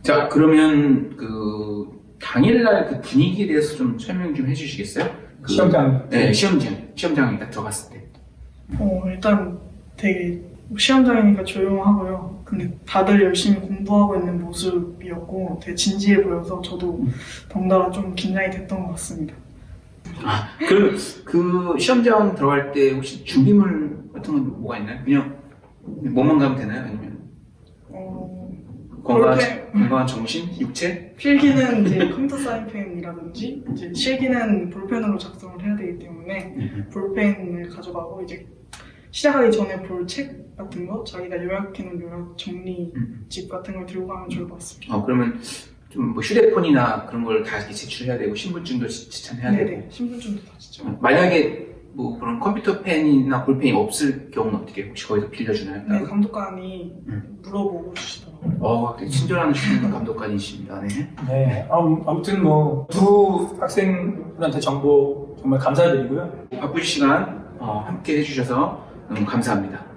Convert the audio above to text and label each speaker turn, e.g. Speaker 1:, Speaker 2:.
Speaker 1: 자, 그러면 그 당일날 그 분위기에 대해서 좀 설명 좀 해주시겠어요?
Speaker 2: 시험장.
Speaker 1: 네, 시험장에 딱 들어갔을 때.
Speaker 3: 일단 되게 시험장이니까 조용하고요. 근데 다들 열심히 공부하고 있는 모습이었고 되게 진지해 보여서 저도 덩달아 좀 긴장이 됐던 것 같습니다.
Speaker 1: 그 시험장 들어갈 때 혹시 준비물 같은 건 뭐가 있나요? 그냥 뭐만 가면 되나요? 아니면 건강한 정신, 육체?
Speaker 3: 필기는 이제 컴퓨터 사인펜이라든지 이제 실기는 볼펜으로 작성을 해야 되기 때문에 볼펜을 가져가고 이제 시작하기 전에 볼 책 같은 거 자기가 요약해놓은 요약 정리집 같은 걸 들고 가면 좋을 것 같습니다.
Speaker 1: 그러면 좀 뭐 휴대폰이나 그런 걸 다 이렇게 제출해야 되고 신분증도 지참해야 되고.
Speaker 3: 네네, 신분증도 다 지참.
Speaker 1: 만약에 뭐 그런 컴퓨터 펜이나 볼펜이 없을 경우는 어떻게 혹시 거기서 빌려주나요?
Speaker 3: 네, 감독관이 물어보고 주시더라고요.
Speaker 1: 되게 친절하신 감독관이십니다. 네.
Speaker 2: 네. 아무튼 뭐 두 학생분한테 정보 정말 감사드리고요.
Speaker 1: 바쁘신 시간 함께 해주셔서 너무 감사합니다.